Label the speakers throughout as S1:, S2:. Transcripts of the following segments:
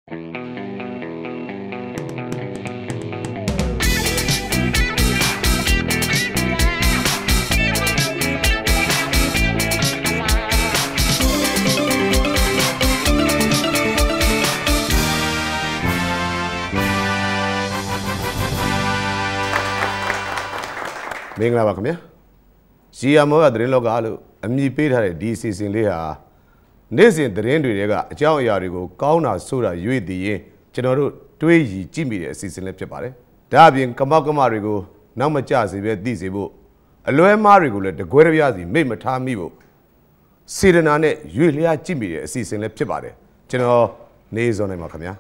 S1: မင်္ဂလာပါခင်ဗျာရီယာမောကသတင်းလောကလို့အမည်ပေးထားတဲ့ဒီအစီအစဉ်လေးဟာနေ့စဉ်သတင်းတွေကအကြောင်းအရာတွေကိုကောင်းတာဆိုတာရွေ့တည်ရင်ကျွန်တော်တို့တွေးရည်ကြည့်မိတဲ့အစီအစဉ်လေးဖြစ်ပါတယ်ဒါအပြင်ကမောက်ကမတွေကိုနောက်မကျစေပဲသိစေဖို့အလွဲမားတွေကိုလည်းတကွဲတပြားစီမိတ်မထားမိဖို့စေတနာနဲ့ရွေ့လျားကြည့်မိတဲ့အစီအစဉ်လေးဖြစ်ပါတယ်ကျွန်တော်နေစောနိုင်ပါခင်ဗျာ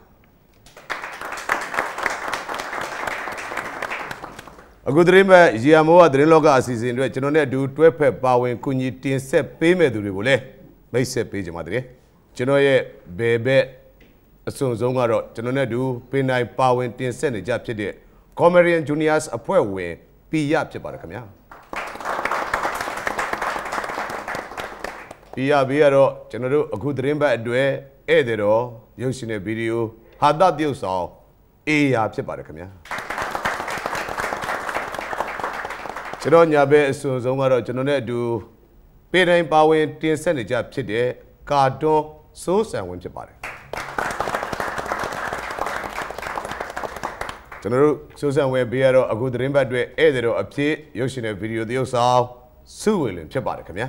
S1: အခုသတင်းမဲ့ရီယာမိုးကသတင်းလောကအစီအစဉ်တွေကျွန်တော်နဲ့အတူတွဲဖက်ပါဝင်ကုညီတင်ဆက်ပေးမဲ့သူတွေကိုလည်းမိတ်ဆက်ပေးကြပါတည်းကျွန်တော်ရဲ့ဘယ်ဘက်အစွန်ဆုံးကတော့ကျွန်တော်နဲ့အတူပင်တိုင်းပါဝင်တင်ဆက်နေကြဖြစ်တဲ့ Comedian Juniors အဖွဲ့ဝင်ပီရဖြစ်ပါတယ်ခင်ဗျာပီရဘေးကတော့ကျွန်တော်တို့အခုသတင်းပတ်အတွက်ဧည့်သည်တော်ရုပ်ရှင်တဲ့ဗီဒီယိုဟာတတရုပ်ဆောင်အေးရာဖြစ်ပါတယ်ခင်ဗျာကျွန်တော်ညာဘက်အစွန်ဆုံးကတော့ကျွန်တော်နဲ့အတူပေတိုင်းပါဝင်တင်ဆက်နေကြဖြစ်တဲ့ကာတွန်းစိုးစံဝင်ဖြစ်ပါတယ်ကျွန်တော်တို့စိုးစံဝင်ဘေးကတော့အခုသတင်းပတ်အတွက်ဧည့်သည်တော်အဖြစ်ရုပ်ရှင်တဲ့ဗီဒီယိုသရုပ်ဆောင်စုဝေလင်ဖြစ်ပါတယ်ခင်ဗျာ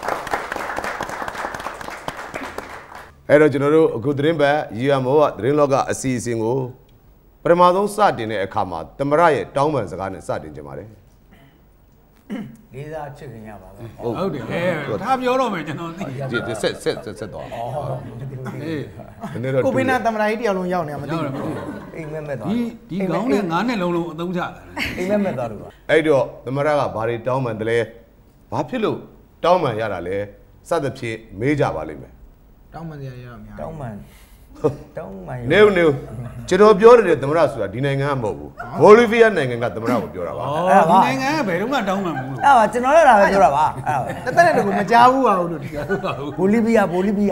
S1: အဲ့တော့ကျွန်တော်တို့အခုသတင်းပတ်ရီယာမောကသတင်းလောကအစီအစဉ်ကိုပထမဆုံးစတင်တဲ့အခါမှာသမရရဲ့တောင်းပန်စကားနဲ့စတင်ကြပါတယ်
S2: လေးစားချစ်ခင်ရပါပဲ
S3: ဟုတ်တယ်ဒါပြောတော့မယ်ကျွန်တော်သိ
S1: တယ်ဆက်တော့
S2: အေးကိုပင်းနာသမရာကြီးတယောက်လုံးရောက်နေမှာမသိဘူးအိမ်မက်မဲ့သွား
S3: ဒီကောင်းနဲ့ငါးနဲ့လုံးအသုံးချတာ
S2: အိမ်မက်မဲ့သွားလို့
S1: အဲ့တော့သမရကဘာတွေတောင်းပန်တယ်လဲဘာဖြစ်လို့တောင်းပန်ရတာလဲစသဖြင့်မေးကြပါလိမ့်မယ်
S2: တောင်းပန်ရရများတောင်းပန်
S1: နေကျွန်တော်ပြောတဲ့သမရဆိုတာဒီနိုင်ငံကမဟုတ်ဘူးဘိုလီဗီးယားနိုင်ငံကသမရကိုပြောတာပါ
S3: ဒီနိုင်ငံကဘယ်တော့မှတောင်းပန်ဘူးလို့
S2: အဲ့ပါကျွန်တော်လည်းဒါပဲပြောတာပါအဲ့တက်တဲ့ကိုမကြားဘူးပါဘူးလို့ဒီကဘိုလီဗီးယား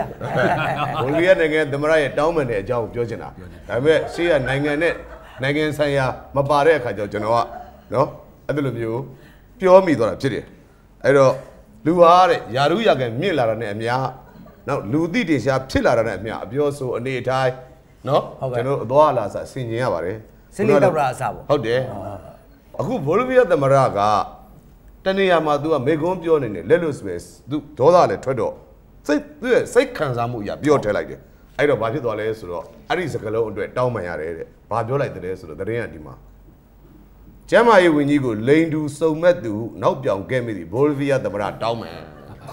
S1: နိုင်ငံသမရရဲ့တောင်းပန်တဲ့အကြောင်းကိုပြောချင်တာဒါပေမဲ့ရှေ့ကနိုင်ငံဆိုင်ရာမပါတဲ့အခါကျတော့ကျွန်တော်ကနော်အဲ့လိုမျိုးပြောမိသွားတာဖြစ်တယ်အဲ့တော့လူဟာတဲ့ယာရုရကန်မြင့်လာတာနဲ့အများနောက်လူသိတင်ရှားဖြစ်လာတာနဲ့အမျှအပြောဆိုအနေအထိုင်နော်ကျွန်တော်အသွားအလာစဆင်ကျင်ရပါတယ်
S2: စလိတောက်တာအစပေါ့
S1: ဟုတ်တယ်အခုဘိုလီဗီးယားသမရကတနေရာမှာ तू ကမေကွန်းပြောနေတယ်လက်လို့ဆိုပဲ तू ဒေါသလည်းထွက်တော့သူ့ရဲ့စိတ်ခံစားမှုအရာပြောထဲလိုက်တယ်အဲ့တော့ဘာဖြစ်သွားလဲဆိုတော့အဲ့ဒီစကားလုံးအတွက်တောင်းပန်ရတယ်တဲ့ဘာပြောလိုက်တယ်ဆိုတော့သတင်းကဒီမှာကျမ်းမာရေးဝန်ကြီးကိုလိန်တူစုံမဲ့သူနောက်ပြောင်ခဲ့မိသည်ဘိုလီဗီးယားသမရတောင်းပန်
S2: ဩ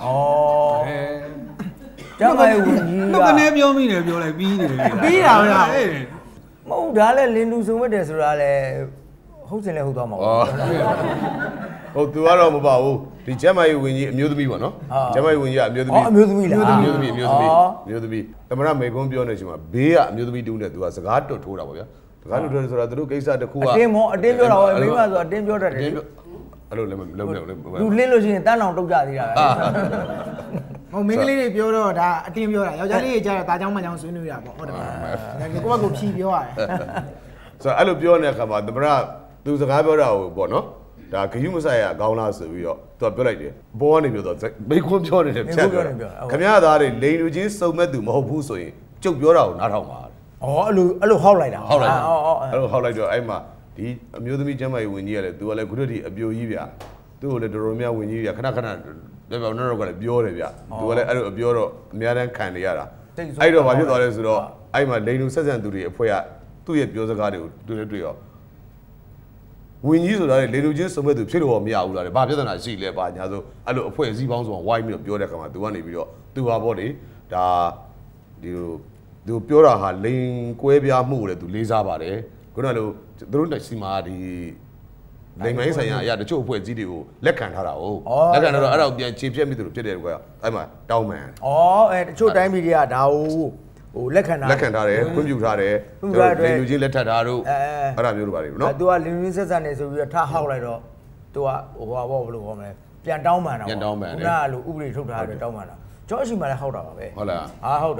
S2: ကျမရဲ့ဝင်ကြီး
S3: ကကနေပြောမိတယ်ပြောလိုက်ပြီးနေတယ်
S2: ပြီးတာဗျာမဟုတ်ဒါလည်းလင်းလူစုံမဲ့တယ်ဆိုတာလည်းဟုတ်စင်လည်းဟုတ်သွားမှာပေါ့
S1: ဟုတ်သူကတော့မပါဘူးဒီကျမရဲ့ဝင်ကြီးအမျိုးသမီးပေါ့နော်ကျမရဲ့ဝင်ကြီးကအမျိုးသမီး
S2: အမျိုးသမီးလား
S1: အမျိုးသမီးသမရမေကွန်းပြောနေချိန်မှာဘေးကအမျိုးသမီးတူးနဲ့သူကစကားတွတ်ထိုးတာပေါ့ဗျာစကားတွတ်ထိုးဆိုတာသူတို့ကိစ္စတစ်ခုကအ
S2: တင်းပြောတာပေါ့မိမဆိုအတင်းပြောတတ်တယ်
S1: အဲ့လိုလည်းမလုပ်နဲ့
S2: လူလင်းလို့ရှိရင်တန်းအောင်တုတ်ကြသေးတာပဲဟိုမင်းကလေးတွေပြောတော့ဒါအတင်းပြောတာယောက်ျားလေးတွေကြတော့ဒါကြောင့်မကြောင့်ဆွေးနွေးတာပေါ့ဟုတ်တယ်ပါကိုယ့်ဘက်ကိုဖြီးပြောရတယ်
S1: ဆိုတော့အဲ့လိုပြောနေတဲ့အခါမှာသမရသူစကားပြောတာကိုပေါ့နော်ဒါဂယုမဆိုင်ရအကောင်းလားဆိုပြီးတော့သူကပြောလိုက်တယ်ဘောကနေပြောတော့မိခွန်းပြောနေတယ်ဖြတ်ပြောခင်ဗျားသားတွေလိန်လူချင်းစုံမဲ့သူမဟုတ်ဘူးဆိုရင်ကျုပ်ပြောတာကိုနားထောင်ပါ
S2: အဲ့လိုဟောက်လိုက်တာ
S1: အဲ့လိုဟောက်လိုက်တော့အဲ့မှာဒီအမျိုးသမီးကျမ်းမာရေးဝင်ကြီးကလည်းသူကလည်းခုတည်းအပြိုကြီးဗျာသူ့ကိုလည်းတော်တော်များဝင်ကြီးဗျာခဏပြောတော့ကလည်းပြောတယ်ဗျာသူကလည်းအဲ့လိုအပြောတော့အများတန်းခံနေရတာအဲ့တော့ဘာဖြစ်သွားလဲဆိုတော့အဲ့မှာလိန်လူဆက်ဆံသူတွေအဖွဲ့ကသူ့ရဲ့ပြောစကားတွေကိုတွေ့ရောဝင်ကြီးဆိုတာလေလိန်လူချင်းစုံမဲ့သူဖြစ်လို့မရဘူးလားဘာပြဿနာရှိလဲဘာညာဆိုအဲ့လိုအဖွဲ့အစည်းပေါင်းဆိုဝိုင်းပြီးတော့ပြောတဲ့ခါမှာသူကနေပြီးတော့သူဟာပေါ့လေဒါဒီလိုသူပြောတာဟာလိန်ကွဲပြားမှုကိုလည်းသူလေးစားပါတယ်ခုနကလိုသူတို့တက်စီမှာဒီလိမ်မိုင်းဆိုင်ရာအရာတချို့အဖွဲ့အစည်းတွေကိုလက်ခံထားတာဟုတ်လက်ခံတော့အဲ့ဒါကိုပြန်ခြေဖြတ်မိသူတို့ဖြစ်တယ်ကွာအဲ့မှာတောင်းပန်
S2: တချို့တိုင်းပြည်တွေကဒါဟိုလက်ခံ
S1: ထားတယ်ခွင့်ပြုထားတယ်လိမ်လူချင်းလက်ထပ်ထားတို့အဲ့ဒါမျိုးလိုပါလေနော်
S2: သူကလိမ်လူချင်းဆက်ဆံနေဆိုပြီးတော့ထားဟောက်လိုက်တော့သူကဟိုဘာဘယ်လိုခေါ်မလဲပြန်တောင်းပန်တာခုနကလိုဥပဒေထုတ်ထားတယ်တောင်းပန်တာကျောင်းအရှိမှလည်းဟောက်တာပါပဲ
S1: ဟုတ်လား
S2: ဟုတ်တယ်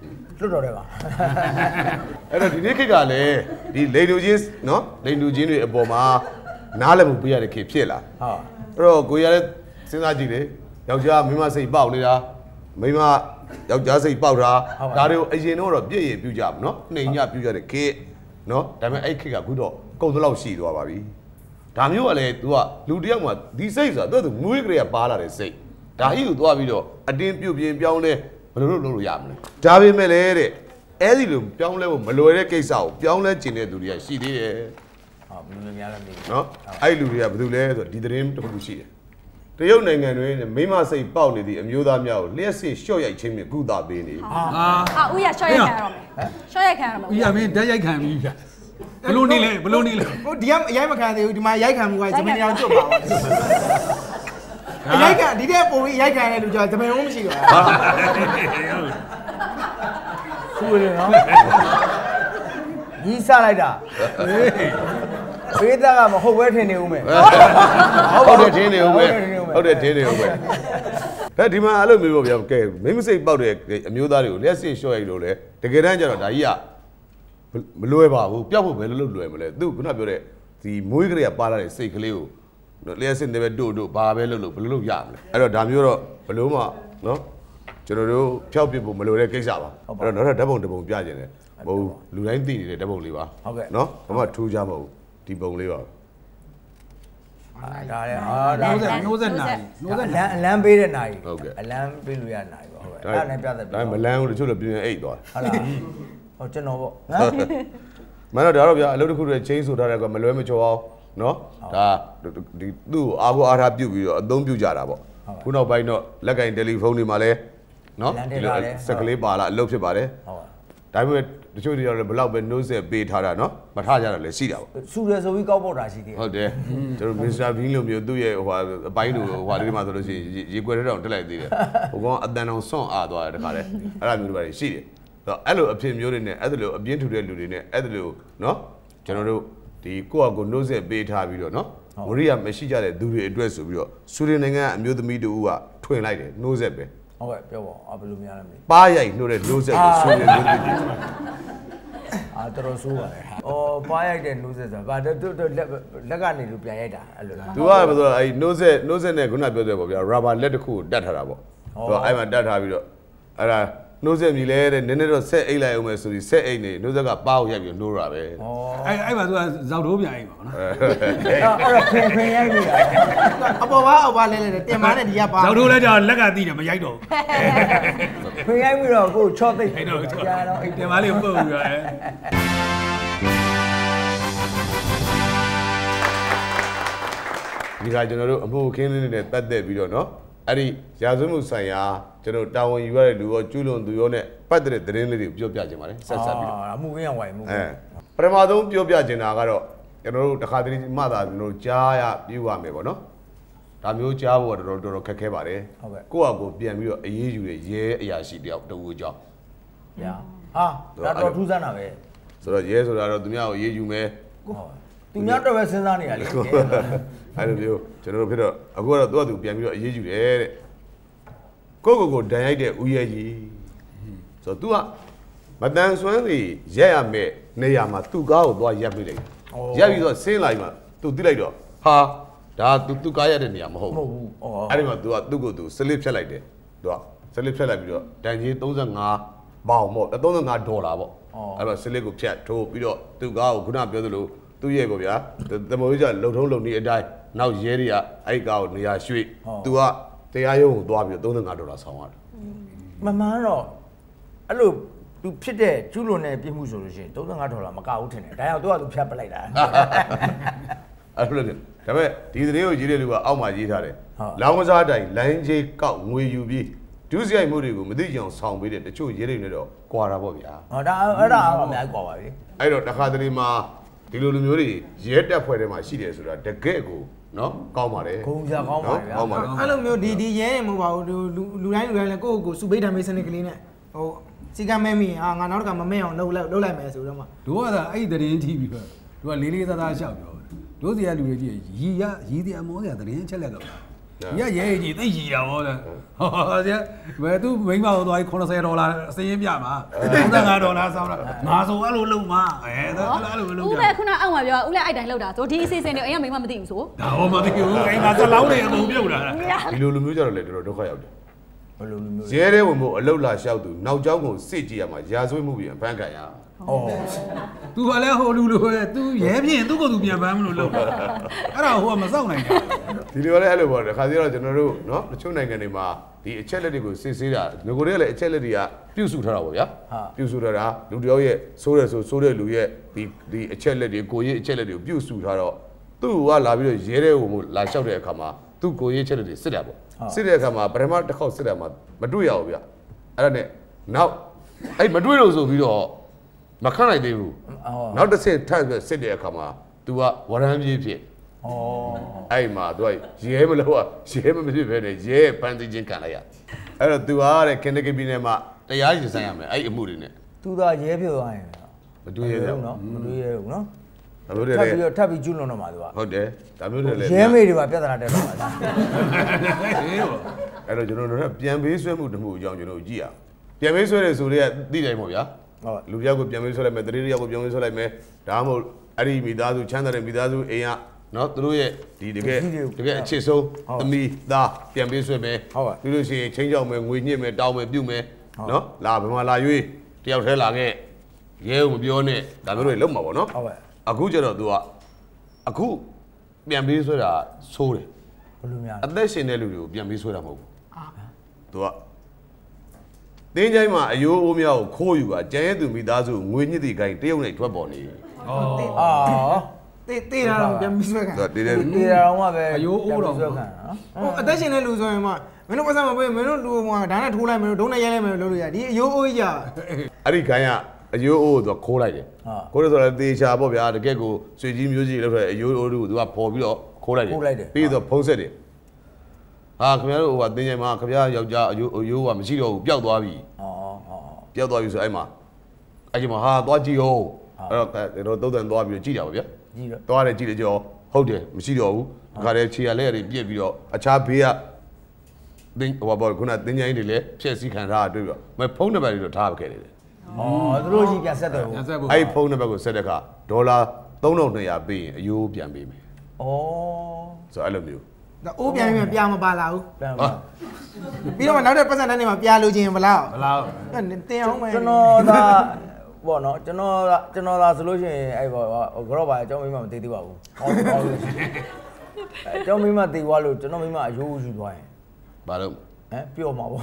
S2: လွတ်တော်တယ်ပါ
S1: အဲ့တော့ဒီနေ့ခေတ်ကလည်းဒီလိန်လူချင်းနော်လိန်လူချင်းတွေအပေါ်မှာနားလည်မှုပေးရတဲ့ခေတ်ဖြစ်လာအဲ့တော့ကိုရလည်းစဉ်းစားကြည့်လေယောက်ျားမိန်းမစိတ်ပေါက်နေတာမိန်းမယောက်ျားစိတ်ပေါက်တာဒါတွေကိုအရင်တော့ပြည့်ရပြူကြပါနော်နှိမ်ညပြူကြတဲ့ခေတ်နော်ဒါပေမဲ့အဲ့ခေတ်ကအခုတော့ကုန်သလောက်ရှိသွားပါပြီဒါမျိုးကလည်း तू ကလူတယောက်မှဒီစိတ်ဆိုတာသူမွေးကလေးကပါလာတဲ့စိတ်ဒါကြီးကိုသွားပြီးတော့အတင်းပြုတ်ပြင်းပြောင်းလဲဘယ်လိုလုပ်လို့ရမလဲဒါပေမဲ့လည်းတဲ့အဲ့ဒီလိုပြောင်းလဲဖို့မလွယ်တဲ့ကိစ္စကိုပြောင်းလဲကျင်တဲ့သူတွေကရှိသေးတယ်
S2: ဘယ်လိုများလဲမသိဘူး
S1: နော်အဲ့လူတွေကဘယ်သူလဲဆိုဒီသတင်းတစ်ခုရှိတယ်တရုတ်နိုင်ငံတွင်မိမစိတ်ပေါက်နေသည့်အမျိုးသားများကိုလျှက်စစ်ရှော့ရိုက်ခြင်းဖြင့်ကုသပေးနေ
S4: ဦးရရှော့ရိုက်ခံရတော့မယ်ရှော့ရိုက်ခံရတော့မယ်
S3: ဦးရမင်းဓာတ်ရိုက်ခံပြီဗျဘလို့နေလဲဘလို့နေလဲ
S2: ဟိုဒီကအရိုက်မခံသေးဘူးဒီမှာရိုက်ခံမှုကဇမင်းရောင်ကျွတ်ပါအရိုက်ခံဒီတဲ့ပုံပြီးရိုက်ခံရတဲ့လူကြောင့်ဇမင်းလုံးမရှိတော့ဘူးဆူရနော်ကြီးစားလိုက်တာဘေးသားကမဟုတ်ပဲထင်နေဦးမယ်
S1: ဟုတ်တယ်ထင်နေဦးမယ်ဟုတ်တယ်ထင်နေဦးမယ်ဒါဒီမှာအဲ့လိုမျိုးပေါ့ဗျာကဲမိမစိတ်ပေါက်တဲ့အမျိုးသားတွေကိုလက်စစ်လျှော့ရိုက်လို့လေတကယ်တမ်းကျတော့ဒါကြီးကမလွယ်ပါဘူးပျောက်ဖို့ဘယ်လိုလုပ်လွယ်မလဲသူခုနပြောတဲ့ဒီမွေးကလေးကပါလာတဲ့စိတ်ကလေးကိုလက်စစ်တွေပဲတို့ဘာပဲလုပ်လို့ဘယ်လိုလုပ်ရမလဲအဲ့တော့ဒါမျိုးတော့ဘယ်လိုမှနော်ကျွန်တော်တို့ဖျောက်ပြဖို့မလိုတဲ့ကိစ္စပါအဲ့တော့နောက်ထပ်ဓာတ်ပုံတစ်ပုံပြခြင်းတယ်မဟုတ်လူတိုင်းသိနေတဲ့ဓာတ်ပုံလေးပါနော်ဘာမှထူးခြားမဟုတ်ဒီပုံလေးပါ
S2: ဒါလည်း
S3: 90နာရီ
S2: အလန်းပေးတဲ့နာရီအလန်းပေးလို့ရနာရီပါဟုတ်ကဲ့အဲ့ဒါနဲ့ပြသက်ပြီ
S1: ဒါမလန်းဘူးတချို့လည်းပြင်းအိတ်သွား
S2: ဟုတ်လားဟောကျွန်တော်ပေါ့
S1: မင်းတို့ဒါတော့ဗျာအလုပ်တစ်ခုတည်းချင်းဆိုထားတဲ့ကမလွဲမချောအောင်နော်ဒါဒီသူ့အားကိုအားထားပြုတ်ပြီးတော့အသုံးပြုကြတာပေါ့ခုနောက်ပိုင်းတော့လက်ကင်တယ်လီဖုန်းတွေမှာလည်းနော်ဒီလိုစက်ကလေးပါလာအလုပ်ဖြစ်ပါတယ်ဒါပေမဲ့တချို့တွေတော့ဘလောက်ပဲနှိုးဆက်ပေးထားတာနော်မထားကြတော့လည်းရှိတာပေါ့
S2: ဆူရဆိုပြီးကောက်ပေါက်တာရှိသေးတယ်
S1: ဟုတ်တယ်ကျွန်တော်မစ္စတာဘင်းလိုမျိုးသူ့ရဲ့ဟိုအပိုင်းလိုဟိုလေးတွေမှာဆိုလို့ရှိရင်ရေကွက်ထဲတောင်တက်လိုက်သေးတယ်ဟိုကောင်အတန်အောင်ဆွန့်အားသွားတယ်တခါတည်းအဲ့လိုမျိုးတွေရှိတယ်အဲ့လိုအဖြစ်မျိုးတွေနဲ့အဲ့လိုအပြင်းထူတဲ့လူတွေနဲ့အဲ့လိုနော်ကျွန်တော်တို့ဒီကိုယ့်အကိုနှိုးဆက်ပေးထားပြီးတော့နော်ဝရိယမရှိကြတဲ့သူတွေအတွက်ဆိုပြီးတော့ဆူရင်နိုင်ငံအမျိုးသမီးတူကထွင်လိုက်တယ်နှိုးဆက်ပဲ
S2: ဟုတ်ကဲ့ပြောပါဘယ်လိုများလဲမသိ
S1: ပါရိုက်နှိုးတဲ့နှိုးဆက်ကိုဆူရင်မျိုးသမီးတွေ
S2: တော်တော်ဆိုးပါတယ်။အော်ပါရိုက်တဲ့နှိုးဆက်ဆိုတာဗာလက်ကနေလို့ပြန်ရိုက်တာအဲ့လိုလား
S1: ။ तू ကဘယ်လိုလဲအဲ့နှိုးဆက်နဲ့ခုနပြောတယ်ပေါ့ဗျာရာဘာလက်တစ်ခုကိုတတ်ထားတာပေါ့။ तू အဲ့မှာတတ်ထားပြီးတော့အဲ့ဒါနှိုးဆက်မြည်လဲတဲ့နည်းနည်းတော့ဆက်အိတ်လိုက်အောင်မယ်ဆိုပြီးဆက်အိတ်နေနှိုးဆက်ကပါကိုရိုက်ပြီးနှိုးတာပဲ
S3: ။အော်အဲ့မှာ तू ကဇောက်တိုးပြန်အိတ်ပါနော်
S2: ။အဲ့တော့ခင်ရိုက်ပြီ။အပေါ်ပါအောက်ပါလဲတင်မာနဲ့ဒီကပါ
S3: ဇောက်တိုးလဲကြောင်လက်ကတီးတယ်မရိုက်တော့ဘူး
S2: ။ခင်ရိုက်ပြီးတော့ကိုချော့သိ
S3: တ်တော့ကြာတော့အိတ်တင်မာလေးပုတ်ပြီးတော့
S1: ဒီကကျွန်တော်တို့အမှုခင်းလေးနဲ့ပတ်သက်ပြီးတော့เนาะအဲ့ဒီရာဇဝတ်မှုဆိုင်ရာကျွန်တော်တာဝန်ယူရတဲ့လူရောကျူးလွန်သူရောနဲ့ပတ်သက်တဲ့သတင်းလေးတွေကိုပြောပြခြင်းပါတယ်ဆက်ဆက်ပြီးတော့
S2: အမှုခင်းအောင်ဝိုင်မှု
S1: ပထမဆုံးပြောပြခြင်းတာကတော့ကျွန်တော်တို့တခါတည်းမှသာကျွန်တော်တို့ကြားရပြရမယ်ပေါ့နော်ဒါမျိုးကြားဖို့တော့တော်တော်ခက်ခဲပါတယ်ကိုယ့်အကိုပြန်ပြီးတော့အေးအေးယူတဲ့ရဲအရာရှိတယောက်တူအကြောင်း
S2: ညာဟာဒါတော့ထူးဆန်းတာပဲ
S1: ဆိုတော့ရဲဆိုတာတော့သူများကိုအေးအေးယူမယ်
S2: သူများတော့ပဲစဉ်းစားနေရလေ
S1: အဲ့လိုမျိုးကျွန်တော်တို့ဖြစ်တော့အခုကတော့သူပြန်ပြီးတော့အေးအေးယူတယ်တဲ့ကိုဒဏ်ရိုက်တဲ့ဦးရဲကြီးဆိုတော့ तू ကမတန်ဆွမ်းစီရက်ရမယ်နေရာမှာသူ့ကားကိုသွားရက်ပြလိုက်ရက်ပြီးတော့ဆင်းလာပြီးမှ तू တိလိုက်တော့ဟာဒါ तू ကားရက်တဲ့နေရာမဟုတ်ဘူးအဲ့ဒီမှာ तू ကသူ့ကို तू စလစ်ဖြတ်လိုက်တယ် तू ကစလစ်ဖြတ်လိုက်ပြီးတော့တန်ကြီး35ပေါင်ပေါ့35ဒေါ်လာပေါ့အဲ့မှာစလစ်ကိုဖြတ်ထိုးပြီးတော့သူ့ကားကိုခုနပြောသလိုသူ့ရဲ့ပေါ့ဗျာတမိုးကြီးကလုံထုံးလုံနေအတိုင်းနောက်ရဲတွေကအဲ့ကားကိုနေရာရွှေ့ तू ကတရားရုံးကိုသွားပြီးတော့$35ဆောင်ရတယ်
S2: မမှန်တော့အဲ့လိုသူဖြစ်တဲ့ကျူးလွန်တဲ့ပြစ်မှုဆိုလို့ရှိရင်$35မကဘူးထင်တယ်ဒါကြောင့်သူကသူဖြတ်ပလိုက်တာ
S1: အဲ့လိုလေဒါပေမဲ့ဒီသတင်းကိုရေးတဲ့လူကအောက်မှာရေးထားတယ်လောင်းကစားတိုင်လိုင်းကြီးကောက်ငွေယူပြီးဒုစရိုက်မှုတွေကိုမသိကြအောင်ဆောင်ပေးတဲ့တချို့ရေးတွေနဲ့တော့ကွာတာပေါ့ဗျာ
S2: ဟောဒါအဲ့ဒါအများကြီးကွာပါပြီ
S1: အဲ့တော့တခါတလေမှာဒီလိုလူမျိုးတွေရဲတက်ဖွဲ့ထဲမှာရှိတယ်ဆိုတာတကယ်ကိုနော်ကောင်းပါတယ်
S2: ဂုံကြကောင်းပါဗျာကောင်းပါတယ်အဲ့လိုမျိုးဒီရဲနေမဟုတ်ပါဘူးလူတိုင်းလည်းကိုယ့်ကိုစုပိတ်တံမေးစနစ်ကလေးနဲ့ဟိုစီကမဲမိငါနောက်တစ်ခါမမဲအောင်လုပ်လိုက်မယ်ဆိုတော့မှ
S3: တို့ကအဲ့ဒီသတင်းကြည့်ပြီးတော့တို့ကလေးလေးသားသားရှောက်ပြောတို့စီကလူတွေကြည့်ရီတရားမောစရာသတင်းချက်လက်တော့ဒီကရဲကြီးသိကြီးတာဟောတဲ့ဟောကျဘယ်သူမိန်းမကိုသွားပြီး$90အစင်းပြမှာ$35ဆောင်းတာငါဆိုအဲ့လိုလုံမှာအဲ့လိုလုံကြ
S4: ဦးပဲခုနအောက်မှာပြောဦးလည်းအဲ့တိုင်းလောက်တာဆိုဒီအစီအစဉ်တွေအိမ်ကမိန်းမမသိဘူးဆို
S3: ဒါဟောမသိဘူးအိမ်မှာစလောင်းတွေအကုန်ပြုတ်လာတာ
S1: ဒီလိုလူမျိုးကြတော့လေတော်တော်ဒုက္ခရောက်တယ်
S2: ဘယ်လိုလူမျိုး
S1: ရဲတဲ့ဝင်မို့အလုတ်လာလျှောက်သူနောက်ကျောင်းကိုစစ်ကြည့်ရမှာရာဇဝတ်မှုပြန်ဖမ်းခံရ
S3: သူကလည်းဟိုလူလိုပဲသူရဲပြင်သူ့ကိုသူပြန်ပန်းမလို့လုပ်တာအဲ့ဒါဟိုကမစောင့်နိုင်
S1: ဘူးဒီလိုလည်းအဲ့လိုပေါ့တခါစီတော့ကျွန်တော်တို့เนาะတချို့နိုင်ငံတွေမှာဒီအချက်လက်တွေကိုစစ်ဆေးတာငကိုတွေကလည်းအချက်လက်တွေကပြုစုထားတာပေါ့ဗျာပြုစုထားတာလူတယောက်ရဲ့ဆိုးတယ်ဆိုဆိုးတဲ့လူရဲ့ဒီအချက်လက်တွေကိုရေးအချက်လက်တွေကိုပြုစုထားတော့သူ့ကလာပြီးတော့ရဲတဲ့ဟိုမို့လာလျှောက်တဲ့အခါမှာသူ့ကိုရေးအချက်လက်တွေစစ်တာပေါ့စစ်တဲ့အခါမှာပထမတစ်ခေါက်စစ်တာမှာမတွေ့ရဘူးဗျအဲ့ဒါနဲ့နောက်အဲ့မတွေ့လို့ဆိုပြီးတော့မခန့်နိုင်သေးဘူးနောက်တစ်ဆင့်ထပ်ပြီးစစ်တဲ့အခါမှာ तू ကဝရမ်းပြေးဖြစ်အဲ့မှာ तू ရဲမလို့ရဲမဖြစ်ပဲနဲ့ရဲပန်းသိချင်းခံလိုက်ရအဲ့တော့ तू ကတဲ့ခင်တကပြည်နယ်မှာတရားရင်ဆိုင်ရမယ်အဲ့အမှုတွေနဲ့
S2: तू သာရဲဖြစ်သွားရင်
S1: မတွေ့ရဘူး
S2: နော်မတွေ့ရဘူးနော်
S1: ဒါမျိုးတွေလည်း
S2: ထပ်ပြီးကျူးလွန်တော့မှာ तू က
S1: ဟုတ်တယ်ဒါမျိုးတွေလည်း
S2: ရဲမေတွေပါပြဿနာတက်တော့မှာ
S1: အဲ့တော့ကျွန်တော်တို့ပြန်ပေးဆွဲမှုတမှုအကြောင်းကျွန်တော်ကြည့်ရပြန်ပေးဆွဲတယ်ဆိုတော့သိတယ်မို့ဗျာလူပြောက်ကိုပြန်ပေးဆွဲလိုက်မယ်တတိယယောက်ကိုပြန်ပေးဆွဲလိုက်မယ်ဒါမှမဟုတ်အဲ့ဒီမိသားစုချမ်းသာတဲ့မိသားစုအိမ်ကနော်သူတို့ရဲ့ဒီတကယ်အချစ်ဆုံးသမီးသားပြန်ပေးဆွဲမယ်ပြီးလို့ရှိရင်ချင်းကြောက်မယ်ငွေညှစ်မယ်တောင်းမယ်ပြုတ်မယ်နော်လာဘယ်မှာလာရွေးတယောက်တည်းလာခဲ့ရဲကိုမပြောနဲ့ဒါမျိုးတွေလုံးမှာပေါ့နော်အခုကျတော့ तू ကအခုပြန်ပေးဆွဲတာဆိုးတယ်
S2: ဘယ်လိုများ
S1: အသက်ရှင်တဲ့လူတွေကိုပြန်ပေးဆွဲတာမဟုတ်ဘူးသူကတင်းချိုင်းမှာအယိုးအိုးများကိုခိုးယူကကျန်ရဲ့သူမိသားစုငွေညှစ်တီခိုင်းတရုတ်နဲ့ထွက်ပေါ်နေ
S2: တေးတာတော့ပြန်ပြီးဆွဲခံ
S1: တေးတာ
S2: တော့မှပဲ
S3: အယိုးအိုးတော့
S2: ဆွဲခံဟိုအသက်ရှင်တဲ့လူဆိုရင်မှမင်းတို့ပတ်စံမပေးမင်းတို့လူကဒါနဲ့ထိုးလိုက်မင်းတို့ဒုံးနဲ့ရိုက်လိုက်မယ်လို့လုပ်လို့ရဒီအယိုးအိုးကြီး
S1: အဲ့ဒီခိုင်းကအယိုးအိုးကိုသူခိုးလိုက်တယ်ခိုးလို့ဆိုတော့တေချာပေါ့ဗျာတကယ်ကိုဆွေကြီးမျိုးကြီးလောက်တဲ့အယိုးအိုးကိုသူကပေါ်ပြီးတော့ခိုးလိုက်တယ်ပြီးတော့ဖုံးဆက်တယ်ဟာခင်ဗျားတို့ဟိုကတင်းချိုင်းမှာခင်ဗျားယောက်ျားအယိုးကမရှိတော့ဘူးပျောက်သွားပြီပျောက်သွားပြီဆိုအဲ့မှာအဲ့ဒီမှာဟာသွားကြည့်အောင်အဲ့တော့တုံးတန်သွားပြီးတော့ကြည့်တာပါဗျာ
S2: ကြည့်တော့
S1: သွားတယ်ကြည့်တယ်ကြောဟုတ်တယ်မရှိတော့ဘူးခါတည်းခြေရလက်ရည်ပြက်ပြီးတော့အခြားဘေးကတင်းဟိုဘောခုနတင်းချိုင်းတွေလည်းဖြည့်စည်းခံထားတွေ့ပြီးတော့မဖုန်းနံပါတ်တွေတော့ထားခဲ့တယ်
S2: သူတို့ကြီးပြန်ဆက်တယ်ဟုတ်
S1: အဲ့ဖုန်းနံပါတ်ကိုဆက်တဲ့အခါဒေါ်လာ3200ပေးရင်အယိုးပြန်ပေးမယ်ဆိုအဲ့လိုမျိုး
S2: ဒါအိုးပြန်ပြီးပြာမပါလာဘူးပြီးတော့နောက်တဲ့ပတ်စံတန်းတွေမှာပြာလို့ချင်းမလားတင်အောင်မယ်ကျွန်တော်သာပေါ့နော်ကျွန်တော်သာဆိုလို့ရှိရင်အဲ့ပေါ့ကတော့ပါအကြောင်းမိမမသိသေးပါဘူးဟောလို့အကြောင်းမိမသိသွားလို့ကျွန်တော်မိမအယိုးယူသွားရင်
S1: ဘာလို့
S2: ပျော့မှာပေါ့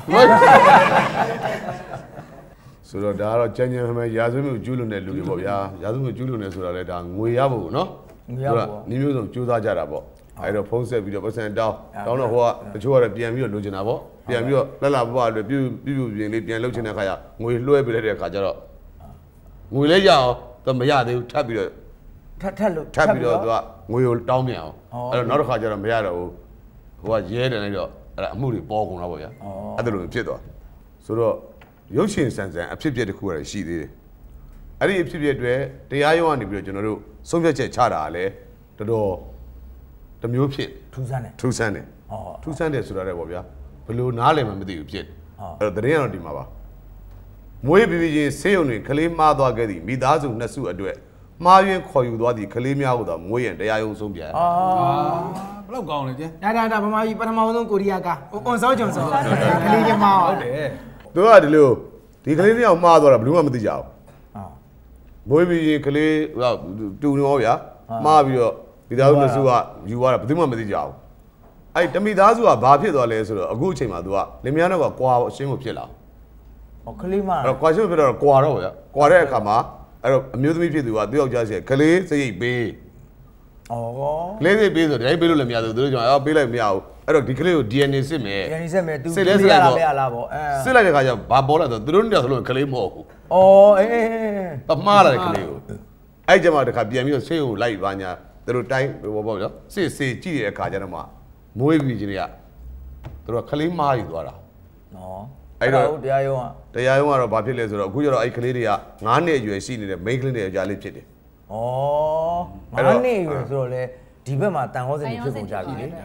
S1: ဆိုတော့ဒါကတော့ကြမ်းကြမ်းမှန်ရာဇဝတ်မှုကျူးလွန်တဲ့လူတွေပေါ့ဗျာရာဇဝတ်မှုကျူးလွန်နေဆိုတာလဲဒါငွေရဖို့နော်ညီမျိုးစုံကြိုးစားကြတာပေါ့အဲ့တော့ဖုံးဆက်ပြီးတော့ပတ်စံတောင်းတော့ဟိုကတချို့ကတော့ပြန်ပြီးတော့လိုချင်တာပေါ့ပြန်ပြီးတော့လက်လာပပတွေပြပြင်လေးပြန်လှုပ်ချင်တဲ့ခါကျငွေလွှဲပေးလိုက်တဲ့ခါကျတော့ငွေလဲရအောင်သူမရသေးဘူးထပ်ပြီးတော့
S2: ထပ်
S1: ပြီးတော့သူကငွေကိုတောင်းပြန်အောင်အဲ့တော့နောက်တစ်ခါကျတော့မရတော့ဘူးဟိုကရဲတယ်လိုက်တော့အဲ့ဒါအမှုတွေပေါ်ကုန်တော့ပေါ့ဗျာအဲ့ဒါလိုဖြစ်သွားဆိုတော့ရုပ်ရှင်ဆန်ဆန်အဖြစ်အပျက်တစ်ခုရရှိသေးတယ်အဲ့ဒီအဖြစ်အပျက်တွေတရားရုံးကနေပြီးတော့ကျွန်တော်တို့ဆုံးဖြတ်ချက်ချတာလဲတော်တော်တမျိုးဖြစ်
S2: ထူးဆန်းတယ်
S1: ထူးဆန်းတယ်ဆိုတာလည်းပေါ့ဗျာဘယ်လိုနားလည်မှမသိဘူးဖြစ်အဲ့တော့တရင်ကတော့ဒီမှာပါမွေးပြီးချင်းဆေးရုံတွေကလေးမှားသွားခဲ့သည်မိသားစုနှစ်စုအတွက်မှားယွင်းခေါ်ယူသွားသည့်ကလေးများကိုသာမွေးရန်တရားရုံးဆုံးပြန်
S3: ဘယ်လောက်ကောင်းလဲကျ
S2: ဒါဗမာပြည်ပထမဆုံးကိုရီးယားကအွန်ဆောဂျွန်ဆောကလေးကမှား
S3: ဟုတ်တယ်
S1: သူကဒီလိုဒီကလေးတစ်ယောက်မှားသွားတာဘယ်လိုမှမသိကြဘူးမွေးပြီးချင်းကလေးတူနေရောဗျာမှားပြီးတော့မိသားစုနှစ်စုကယူသွားတာဘယ်သူမှမသိကြဘူးအဲ့တမိသားစုကဘာဖြစ်သွားလဲဆိုတော့အခုအချိန်မှာ तू ကလင်မယားတော့ကွာအရှင်းကိုဖြစ်လာ
S2: ကလေးမ
S1: အဲ့ကွာရှင်းဖြစ်တော့ကွာတော့ဗျာကွာတဲ့အခါမှာအဲ့တော့အမျိုးသမီးဖြစ်သူကသူ့ယောက်ျားစီကလေးစရိတ်ပေးကလေးစရိတ်ပေးဆိုတိုင်းပေးလို့လည်းမရဘူးသူတို့ကြောင့်ပေးလိုက်မရဘူးအဲ့တော့ဒီကလေးကို DNA စစ်မယ်
S2: DNA စစ်မယ် तू စစ်လဲစစ်လိုက်တော့
S1: စစ်လိုက်တဲ့ခါကျဘာပေါ်လာတော့သူတို့နှစ်ယောက်ဆိုလို့ကလေးမဟုတ်ဘူး
S2: အေး
S1: ပမားလာတဲ့ကလေးကိုအဲ့ကျမှတခါပြန်ပြီးတော့ဆေးကိုလိုက်ပါညာသူတို့တိုင်းဘောပေါ့နော်စစ်ကြည့်တဲ့အခါကျတော့မှမွေးပြီးချင်းတွေကသူတို့ကလေးမားယူသွားတာ
S2: နော်အဲ့တော့တရားရုံး
S1: ကတော့ဘာဖြစ်လဲဆိုတော့အခုကျတော့အဲ့ကလေးတွေက9နှစ်အရွယ်ရှိနေတဲ့ main ကလေးတွေအကြလေးဖြစ်တယ်
S2: 9နှစ်အရွယ်ဆိုတော့လေဒီဘက်မှာတန်ဟောစင်ဖြစ်ကုန်ကြပြီလေ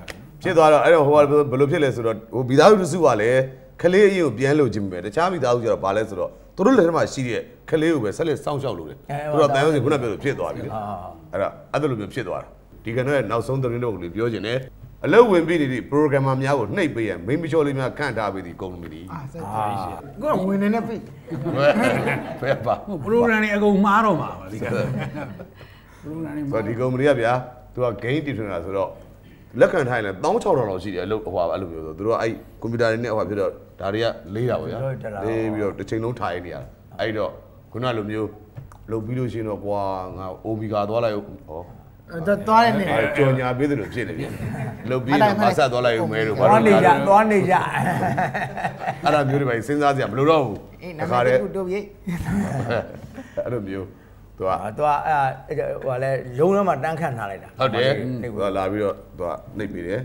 S1: ဖြစ်သွားတော့အဲ့တော့ဟိုကဘယ်လိုဖြစ်လဲဆိုတော့ဟိုမိသားစုတစုကလည်းခလေးအရင်ကိုပြန်လို့ခြင်းပဲတခြားမိသားစုကျတော့ဘာလဲဆိုတော့သူတို့လက်ထဲမှာရှိတဲ့ခလေးကိုပဲဆက်လက်စောင့်ရှောက်လို့တယ်သူတို့တန်ရုံးစီခုနပြောလို့ဖြစ်သွားပြီလေအဲ့ဒါအဲ့လိုမျိုးဖြစ်သွားတာဒီကနေ့နောက်ဆုံးသတင်းတော့ကိုပြောချင်တယ်အလုပ်ဝင်ပြီးနေတဲ့ programmer များကိုနှိပ်ပေးရမိမချောလေးများခန့်ထားပေးသည်ကုမ္ပဏီ
S2: ကိုဝင်နေပြီ
S1: ဖဲပါ
S3: program တွေအကုန်မှားတော့မှာပါဒီက
S1: program တွေဆိုဒီကုမ္ပဏီကဗျာသူက game တည်ထွင်တာဆိုတော့လက်ခံထိုင်လဲ16000လောက်ရှိတယ်အလုပ်ဟိုအဲ့လိုမျိုးဆိုသူတို့ကအဲ့ကွန်ပျူတာတွေနဲ့ဟိုဖြစ်တော့ဒါတွေကလေးတာပေါ့ဗျာလေးပြီးတော့တစ်ချိန်လုံးထိုင်နေရတာအဲ့တော့ခုနလိုမျိုးလုပ်ပြီးလို့ရှိရင်တော့ကွာငါ Omega သွားလိုက်ဟော
S2: သွားတယ်နေ
S1: ကြော်ညာပေးတယ်လို့ဖြစ်နေပြီလုပ်ပြီးတော့မဆက်သွားလိုက်ဦးမဲလို့
S2: သွားနေကြ
S1: အဲ့ဒါမျိုးတွေပဲစဉ်းစားစရာမလိုတော့ဘူး
S2: တခါတည်းတို့ပြေး
S1: အဲ့လိုမျိုးသူက
S2: ဟိုလဲရုံးထဲမှာတန်းခန့်ထားလိုက်တာ
S1: ဟုတ်တယ်သူကလာပြီးတော့သူကနှိပ်ပေးတယ်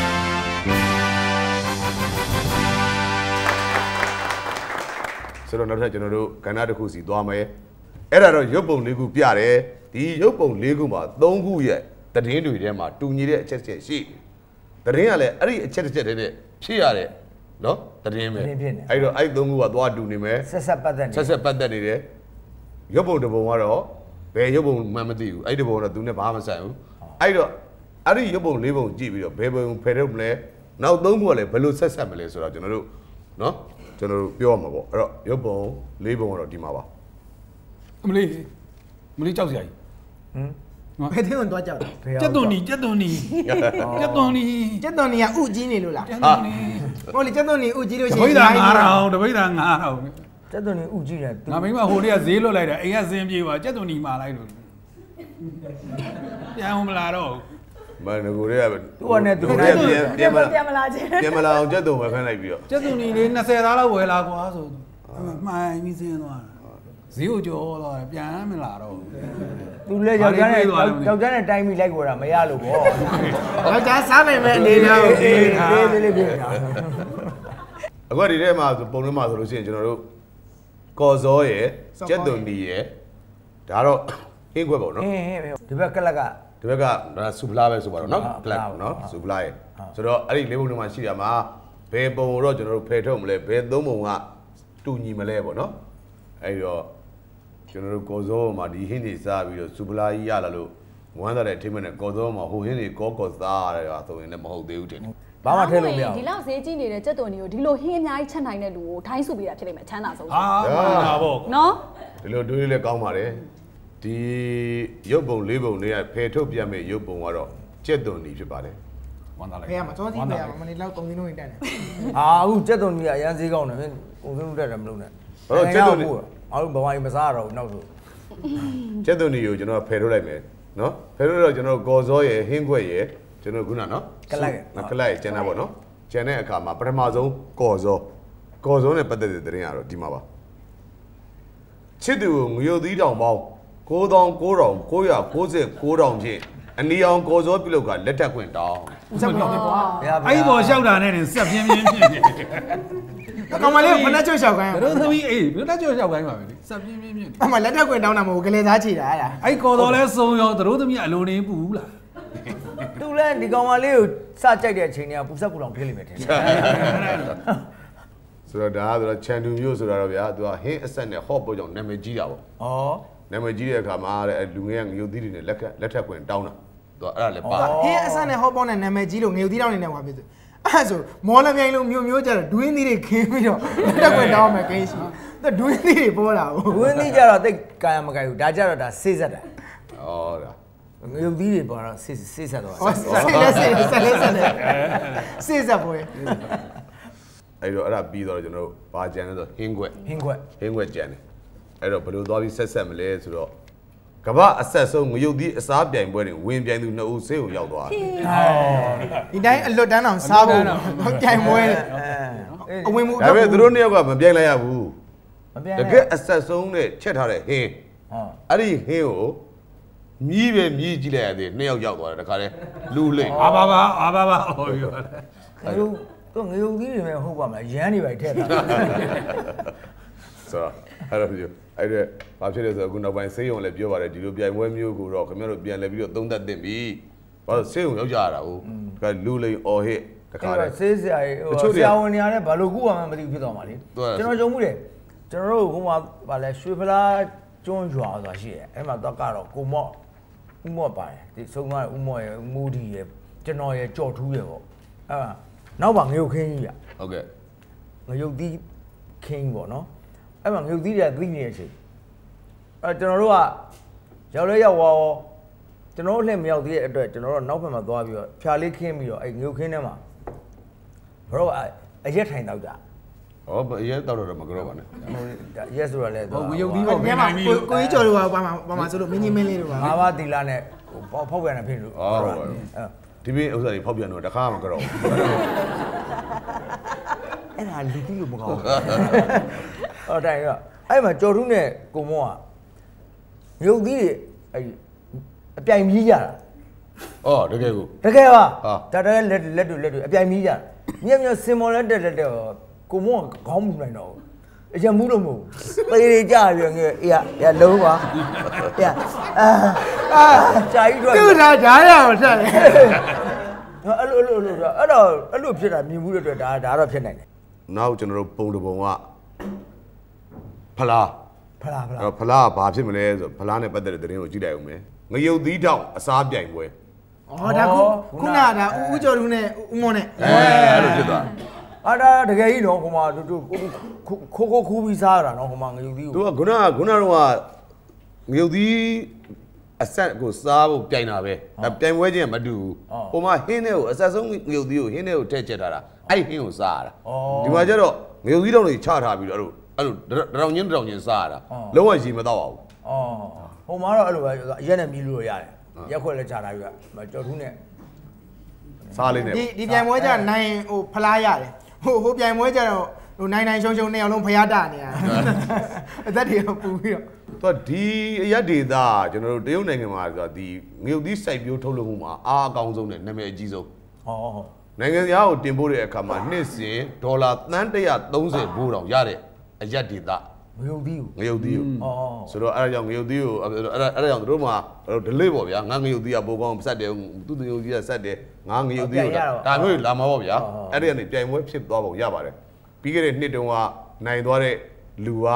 S1: ဆိုတော့နောက်ထပ်ကျွန်တော်တို့ကဏ္ဍတစ်ခုစီသွားမယ်အဲ့ဒါတော့ရုပ်ပုံ၄ခုပြတယ်ဒီရုပ်ပုံ၄ခုမှာ၃ခုရဲ့သတင်းတွေထဲမှာတူညီတဲ့အချက်ချက်ရှိသတင်းကလည်းအဲ့ဒီအချက်တစ်ချက်တည်းနဲ့ဖြစ်ရတဲ့နော်သတင်းပဲအဲ့တော့အဲ့၃ခုကသွားတူနေမယ်
S2: ဆက်ဆက်ပတ်
S1: သက်နေတယ်ရုပ်ပုံတစ်ပုံကတော့ဘယ်ရုပ်ပုံမှမသိဘူးအဲ့ဒီပုံကတော့သူနဲ့ဘာမှမဆိုင်ဘူးအဲ့တော့အဲ့ဒီရုပ်ပုံ၄ပုံကြည့်ပြီးတော့ဘယ်ပုံဖယ်ထုတ်မလဲနောက်၃ခုကလည်းဘယ်လိုဆက်မလဲဆိုတော့ကျွန်တော်တို့နော်ကျွန်တော်တို့ပြောရမှာပေါ့အဲ့တော့ရုပ်ပုံ၄ပုံကတော့ဒီမှာပါ
S3: မလေးကြောက်စရာကြီး
S2: ဘယ်ထဲဝင်သွားကြောက်
S3: ကျက်သွန်နီကဥ
S2: ကြီးနေလို့လားဟုတ်လေကျက်သွန်နီဥကြီးလို့ရှိ
S3: ရင်တပိတ်တာ9000ကျက်သွန်နီ
S2: ဥကြီးတယ်
S3: ငါမိမဟိုတည်းကဈေးလွတ်လိုက်တာအိမ်ကစင်းပြေးပါကျက်သွန်နီမာလိုက်လို့ပြန်မလာတော့
S1: မန်ကိုတွေက
S2: သူကနဲ့သူ
S4: ပြန်မလာခြင်း
S1: ပြန်မလာအောင်ကျက်သွန်ပဲခန်းလိုက်ပြီးတော့
S3: ကျက်သွန်နီလေး20သားလောက်ဝယ်လာကွာဆိုမှိုင်းပြီးစင်းသွားဈေးကိုကြော်တော့ပြန်မလာတော့
S2: သူလည်းယောက်ျားနဲ့တိုင်းပြီးလိုက်ခေါ်တာမရလို့ပေါ့ယောက်ျားစားနိုင်မဲ့အနေနဲ့အေးလေးပြင်တာ
S1: အခုဒီထဲမှာပုံထဲမှာဆိုလို့ရှိရင်ကျွန်တော်တို့ကော်စောရယ်ကျက်သွန်နီရယ်ဒါတော့ဟင်းခွက်ပေါ့နော်
S2: ဒီဘက်ကလက်က
S1: ဒီဘက်ကဆူပလာပဲဆိုပါတော့နော်ကလပ်နော်ဆူပလာရယ်ဆိုတော့အဲ့ဒီလေးပုံထဲမှာရှိရမှာဘယ်ပုံတော့ကျွန်တော်တို့ဖယ်ထုတ်မလဲဘယ်သုံးပုံကတူညီမလဲပေါ့နော်အဲ့တော့ကျွန်တော်တို့ကော်စောမှာဒီဟင်းတွေစားပြီးတော့စူပလာကြီးရလာလို့ဝမ်းသာတဲ့အထိမနဲ့ကော်စောမှာဟိုဟင်းတွေကောစားရတယ်ဆိုရင်လည်းမဟုတ်သေးဘူးတင်
S2: ဘာမှထဲလို့မရ
S4: ဘူးဒီလောက်ဈေးကြီးနေတဲ့ကြက်သွန်တွေကိုဒီလိုဟင်းအများကြီးချက်နိုင်တဲ့လူကိုထိုင်းစုပေးတာဖြစ်လိမ့်မယ်ချမ်းသာဆုံး
S3: ဟာပေါ့
S4: နော်
S1: ဒီလိုတွေးလည်းကောင်းပါတယ်ဒီရုပ်ပုံ၄ပုံတွေကဖယ်ထုတ်ပြမဲ့ရုပ်ပုံကတော့ကြက်သွန်နီဖြစ်ပါတယ်
S3: ဝမ်းသာလိုက်
S2: ဖေးရမှာစောစီးဖေးရမှာမနေလောက်ကုန်စင်းလုံးတက်တယ်အခုကြက်သွန်နီကအရန်ဈေးကောင်းတယ်ကုန်စင်းလုံးတက်တယ်မလို့နဲ့
S1: ဟုတ်ကြက်သွန်နီ
S2: အားလုံးဘဝကြီးမစားရတော့ဘူးနောက်ဆို
S1: ကျက်သွန်နီကိုကျွန်တော်ဖယ်ထုတ်လိုက်မယ်နော်ဖယ်ထုတ်တော့ကျွန်တော်ကော်စောရယ်ဟင်းခွက်ရယ်ကျွန်တော်ခုနနော်
S2: ကလပ်
S1: ရယ်ကျန်တာပေါ့နော်ကျန်တဲ့အခါမှာပထမဆုံးကော်စောနဲ့ပတ်သက်တဲ့သတင်းကတော့ဒီမှာပါချစ်သူကိုငွေရုပ်သီးတောင်ပေါင်း99,999ဖြင့်အနီအောင်ကော်စောပြုလုပ်ကလက်ထပ်ခွင့်တောင်း
S2: ဆက်ပြောပြပါ
S3: အဲ့ဒီပေါ်လျှောက်တာနဲ့ဆက်ပြင်းဖြစ်နေ
S2: ကောင်မလေးကဖနက်ကျွတ်လျှောက်ခိုင်း
S3: တို့သမီးအေးဖနက်ကျွတ်လျှောက်ခိုင်းပါပဲဆက်ပြင်း
S2: အမှလက်ထက်ခွင့်တောင်းတာမဟုတ်ကလေးသားချီတာအဲ့ဒါ
S3: အဲ့ကော်တော်လဲစုံရောတို့သမီးအလိုနေပူဘူးလား
S2: သူလဲဒီကောင်မလေးကိုစကြိုက်တဲ့အချိန်ကပူဆက်ပူလောင်ဖြစ်လိမ့်မယ်ထင်တယ်
S1: ဆိုတော့ဒါကတော့ချန်တူမျိုးဆိုတာတော့ဗျာသူကဟင်းအဆက်နဲ့ဟော့ပေါ်ကြောင့်နာမည်ကြီးတာပေါ့နာမည်ကြီးတဲ့အခါမှာတဲ့လူငယ်ကငရုတ်သီးတွေနဲ့လက်ထက်ခွင့်တောင်းတာသူကအဲ့ဒါလည်းပါ
S2: ဟင်းအဆက်နဲ့ဟော့ပေါ်နဲ့နာမည်ကြီးလို့ငရုတ်သီးတောင်းနေတယ်ဟောဖြစ်သူအဲ့ဆိုမော်လမြိုင်လိုမျိုးကြတော့ဒွင်းသီးတွေခင်းပြီးတော့လက်ခွင့်တောင်းမယ်ကိန်းရှိသူဒွင်းသီးတွေပေါ်လာဘူးဒွင်းသီးကြတော့တိတ်ကာယမကိုင်ဘူးဒါကြတော့ဒါဆေးဆက်တာ
S1: ဒါ
S2: ငရုတ်သီးတွေပေါ်တော့ဆေးဆက်တော့ဆေးဆက်ပွဲ
S1: အဲ့တော့အဲ့ဒါပြီးတော့ကျွန်တော်တို့ဘာကြံလဲဆိုဟင်းခွက်ကြံတယ်အဲ့တော့ဘယ်လိုသွားပြီးဆက်မလဲဆိုတော့ကမ္ဘာအဆက်ဆုံးငရုတ်သီးအစားပြိုင်ပွဲတွေဝင်ပြိုင်သူ2ဦးဆေးကိုရောက်သွားတယ်
S2: ဒီတိုင်းအလွတ်တန်းအောင်စားဖို့ပြိုင်ပွဲအဝင်မှု
S1: ဒါပေမဲ့သူတို့2ယောက်ကမပြိုင်လိုက်ရဘူးတကယ်အဆက်ဆုံးနဲ့ချက်ထားတဲ့ဟင်းအဲ့ဒီဟင်းကိုမြည်ကြည့်လိုက်ရသေး2ယောက်ရောက်သွားတယ်တခါတည်းလူလိမ့်
S3: အာဘာဟောပြော
S2: တယ်သူငရုတ်သီးတွေပဲဟုတ်ပါမလားရမ်းနေပါထည့်တာ
S1: ဆိုတော့အဲ့ဒါပြောအဲ့ဒါဘာဖြစ်လဲဆိုတော့အခုနောက်ပိုင်းဆေးရုံလည်းပြောပါတယ်ဒီလိုပြိုင်ပွဲမျိုးကိုတော့ခင်ဗျားတို့ပြန်လဲပြီးတော့သုံးသပ်သင့်ပြီဘာလို့ဆေးရုံရောက်ကြရတာဟုတ်ကလူလိန်အော်ဟစ်တခါလေ
S2: ဆေးဆရာကြီးဆရာဝန်နေရာနဲ့ဘာလို့ခုမှမသိဖြစ်သွားမှာလေကျွန်တော်ကြုံမှုတယ်ကျွန်တော်တို့ဟိုမှာဗာလဲရွှေဖလားကျွန်းရွာဆိုတာရှိတယ်အဲ့မှာတော့ကတော့ကိုမော့ဦးမော့ပါတယ်ဒီဆုံးသွားဦးမော့ရဲ့မူဒီရဲ့ကျွန်တော်ရဲ့ကြော်ထူးရဲ့ပေါ့အဲ့မှာနောက်ပါငရုတ်ခင်းကြီးရ
S1: ဟုတ်ကဲ့
S2: ငရုတ်သီးခင်းပေါ့နော်အဲ့မှာငရုတ်သီးတွေကသီးနေတဲ့အချိန်အဲ့ကျွန်တော်တို့ကရောက်လဲရောက်သွားကျွန်တော်တို့လည်းမရောက်သေးတဲ့အတွက်ကျွန်တော်တို့နောက်ဘက်မှာသွားပြီးတော့ဖြာလေးခင်းပြီးတော့အဲ့ငရုတ်ခင်းထဲမှာဘရောအရက်ထိုင်တော့ကြ
S1: ဟောရဲတော့တော့မကြောက်ပါနဲ့
S2: ရဲဆိုတာလဲ
S3: ဟုတ်ငရုတ်သီးပေါ့ပြန်နိုင်ပြီ
S2: ကိုကြီးကျော်တို့ကဘာမှဆိုလို့မင်းကြီးမင်းလေးတို့ပါငါးပါးတီလာနဲ့ဖောက်ပြန်နေဖြစ်လို့
S1: ဒီဘေးဥစ္စာတွေဖောက်ပြန်တော့တခါမှမကြောက်ဘူး
S2: အဲ့ဒါလူကြီးလို့မကောင်းဘူးဟုတ်တယ်ကအဲ့မှာကျော်ထူးနဲ့ကိုမောကငရုတ်သီးတွေအဲ့အပြိုင်မြည်ကြတာ
S1: အော်တကယ်ကို
S2: တကယ်ပါဒါတကယ်လက်တွေအပြိုင်မြည်ကြမြက်စင်မော်လက်တက်ကိုမောခေါင်းမူနိုင်တော့အရင်မူးလို့မဟုတ်သေးသေးကြပြီးငယ်အေးလုံးပါအေးကြာကြီးတော့
S5: သူ့ဒါဓာတ်ရအောင်ဆက်တယ်
S2: အဲ့လိုဖြစ်တာမြင်မှုတဲ့အတွက်ဒါတော့ဖြစ်နိုင်တယ်
S1: နောက်ကျွန်တော်တို့ပုံတပုံကဖလားဖလားဘာဖြစ်မလဲဆိုဖလားနဲ့ပတ်သက်တဲ့သတင်းကိုကြည့်လိုက်အောင်မယ်ငရုတ်သီးတောင်အစားပြိုင်ပွဲ
S5: ဩဒါခုနကဒါဦးကျော်လူနဲ့ဦးမော်နဲ့
S1: အဲ့လိုဖြစ်သွား
S2: အဲ့ဒါတကယ်ကြီးတော့ဟိုမှာတို့ခိုးခူးပြီးစားရတာနော်ဟိုမှာငရုတ်သီးကို
S1: သူကခုနတော့ငရုတ်သီးအဆက်ကိုစားဖို့ပြိုင်တာပဲပြိုင်ပွဲချင်းမတူဘူးဟိုမှာဟင်းနဲ့ကိုအဆက်ဆုံးငရုတ်သီးကိုဟင်းနဲ့ကိုထည့်ချက်ထားတာအဲ့ဟင်းကိုစားရတာဒီမှာကျတော့ငရုတ်သီးတောင်တွေချထားပြီးတော့အဲ့လိုတောင်ချင်းစားရတာလုံးဝရေမတော့ပါဘူး
S2: ဟိုမှာတော့အဲ့လိုပဲရက်နဲ့မြည်လို့ရတယ်ရက်ခွက်လည်းချထားပြီးတော့ကြော်ထူးနဲ့
S1: စားလေးနဲ့
S5: ဒီပြိုင်ပွဲကျနိုင်ဟိုဖလားရတယ်ဟိုပြိုင်ပွဲကျတော့ဟိုနိုင်ရှုံနှစ်ယောက်လုံးဖျားတာနေရအသက်တွေပူပြီး
S1: တော့ဒီအရက်ဒေတာကျွန်တော်တို့တရုတ်နိုင်ငံမှာဆိုတာဒီငရုတ်သီးစိုက်ပျိုးထုတ်လုပ်မှုမှာအားအကောင်းဆုံးနဲ့နာမည်အကြီးဆုံးနိုင်ငံသားကိုတင်ပို့တဲ့အခါမှာနှစ်စဉ်ဒေါ်လာသန်း130ဘိုးတောင်ရတဲ့အရက်ဒေတာ
S2: ငရုတ်သီးကို
S1: ဆိုတော့အဲ့ဒါကြောင့်ငရုတ်သီးကိုအဲ့ဒါကြောင့်တို့မှာ delay ပေါ့ဗျာငါငရုတ်သီးကပိုကောင်းဆက်တယ်သူငရုတ်သီးကဆက်တယ်ငါငရုတ်သီးကိုဒါမျိုးလာမှာပေါ့ဗျာအဲ့ဒီကနေပြိုင်ပွဲဖြစ်သွားပုံရပါတယ်ပြီးခဲ့တဲ့နှစ်တုန်းကနိုင်သွားတဲ့လူက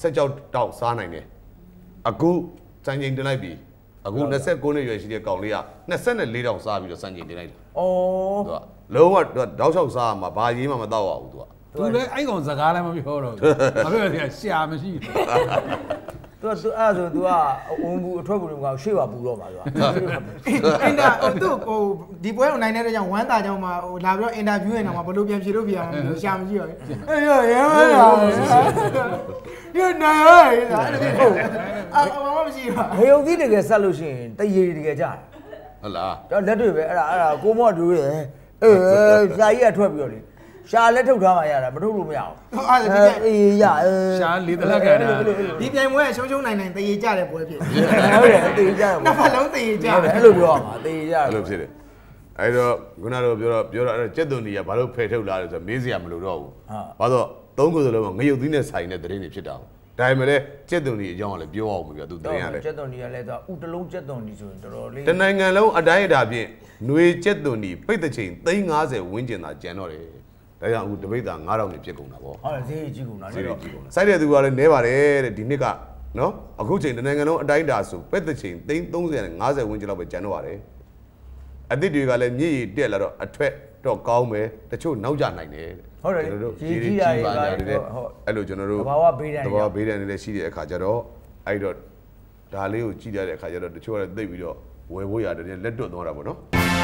S1: 16တောက်စားနိုင်တယ်အခုစံချိန်တင်လိုက်ပြီအခု29နှစ်ရွယ်ရှိတဲ့ကောင်လေးက24တောက်စားပြီးတော့စံချိန်တင်လိုက်တယ်သူကလုံးဝတောက်ချောက်စားမှာဘာရေးမှမတော့ပါဘူးသူက
S3: သူလည်းအဲ့ကောင်စကားလည်းမပြောတော့ဘူးဘာဖြစ်လဲရှာမရှိဘူး
S2: သူအဲ့ဆိုသူကဝန်ဘူးအထွက်ဘူးကရှေ့ပါပူတော့မှာသူက
S5: အင်တာသူဟိုဒီပွဲကိုနိုင်တဲ့ကြောင့်ဝမ်းတာကြောင့်မှဟိုလာပြီးတော့အင်တာဗျူးနေတာမှာဘလို့ပြန်ဖြေလို့ပြရမှာရှာမရှိတော့အေးရဲမလားရနိုင်ရဲအဲ့ဒါဟုတ်ဘာမှမရှိပါ
S2: ငရုတ်သီးတကယ်ဆက်လို့ရှိရင်တရေတကယ်ကြား
S1: ဟုတ်လား
S2: တော့လက်တွေပဲအဲ့ဒါကိုမော့တူးတယ်ရှာကြီးကထွက်ပြီးတော့လေရှာလက်ထုတ်ထားမှရတာမထုတ်လို့မရအောင်အေးရ
S3: ရှာလေးတလက်ခံတာ
S5: ဒီပြိုင်ပွဲရှုံနိုင်တရေကြတဲ့ပွဲဖြစ်
S2: ဟုတ်တယ်တရေကြတယ်
S5: နှစ်ဖက်လုံးတရေကြတယ်
S2: အဲ့လိုပြောရမှာတရေကြတယ်
S1: အဲ့လိုဖြစ်တယ်အဲ့တော့ခုနကတော့ပြောတော့အဲ့ကျက်သွန်ကြီးကဘာလို့ဖယ်ထုတ်လာလဲဆိုတော့မေးစရာမလိုတော့ဘူးဘာလို့သုံးခုစလုံးကငရုတ်သီးနဲ့ဆိုင်တဲ့သတင်းတွေဖြစ်တာဒါပေမဲ့လည်းကျက်သွန်ကြီးအကြောင်းကလည်းပြောအောင်ပြီသူသတင်းရလဲ
S2: ကျက်သွန်ကြီးကလည်းဥတလုံးကျက်သွန်ကြီးဆိုရင်တော်တော်လေး
S1: တနိုင်ငံလုံးအတိုင်းအတာဖြင့်ຫນွေကျက်သွန်ကြီးပိတ်တဲ့ချိန်350ဝန်းကျင်သာကျန်တော့တယ်ဒါကြောင့်အခုတပိတ်သား9000နေဖြစ်ကုန်တာပေါ့
S2: ဟုတ်တယ်ဈေးကြီးကုန်တာလေ
S1: စိုက်တဲ့သူကလည်းနဲပါတယ်တဲ့ဒီနှစ်ကနော်အခုချိန်တနိုင်ငံလုံးအတိုင်းအတာဆိုပိတ်တဲ့ချိန်330နဲ့50ဝန်းကျင်လောက်ပဲကျန်တော့ပါတယ်အသစ်တွေကလည်းမြည်ရည်တက်လာတော့အထွက်တော့ကောင်းမယ်တချို့နောက်ကျနိုင်တယ်
S2: ဟုတ်တယ်
S1: တို့ရေကြီးရပါကြတယ်အဲ့လိုကျွန်တော်တို့
S2: သဘာဝဘေးဒဏ်
S1: တွေလည်းရှိတဲ့အခါကျတော့အဲ့တော့ဒါလေးကိုကြည့်ရတဲ့အခါကျတော့တချို့ကလည်းသိပြီးတော့ဝယ်ဖို့ရတယ်လက်တွတ်သွားတာပေါ့နော်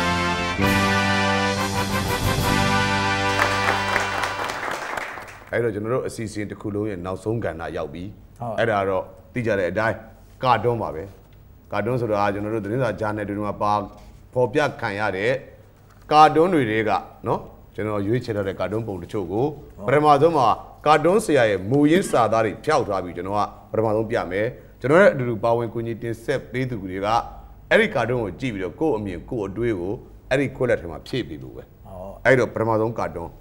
S1: အဲ့တော့ကျွန်တော်တို့အစီအစဉ်တစ်ခုလုံးရဲ့နောက်ဆုံးကဏ္ဍရောက်ပြီအဲ့ဒါတော့သိကြတဲ့အတိုင်းကာတွန်းပါပဲကာတွန်းဆိုတာကျွန်တော်တို့သတင်းစာဂျာနယ်တွေမှာပါပေါ်ပြခံရတဲ့ကာတွန်းတွေကနော်ကျွန်တော်ရွေးချယ်ထားတဲ့ကာတွန်းပုံတချို့ကိုပထမဆုံးမှာကာတွန်းဆရာရဲ့မူရင်းစာသားတွေဖျောက်ထားပြီးကျွန်တော်ကပထမဆုံးပြမယ်ကျွန်တော်ရဲ့အတူတူပါဝင်ကူညီတင်ဆက်ပေးသူတွေကအဲ့ဒီကာတွန်းကိုကြည့်ပြီးတော့ကိုယ့်အမြင်ကိုယ့်အတွေးကိုအဲ့ဒီခွက်လက်ထဲမှာဖြည့်ပေးလို့ပဲအဲ့တော့ပထမဆုံးကာတွန်း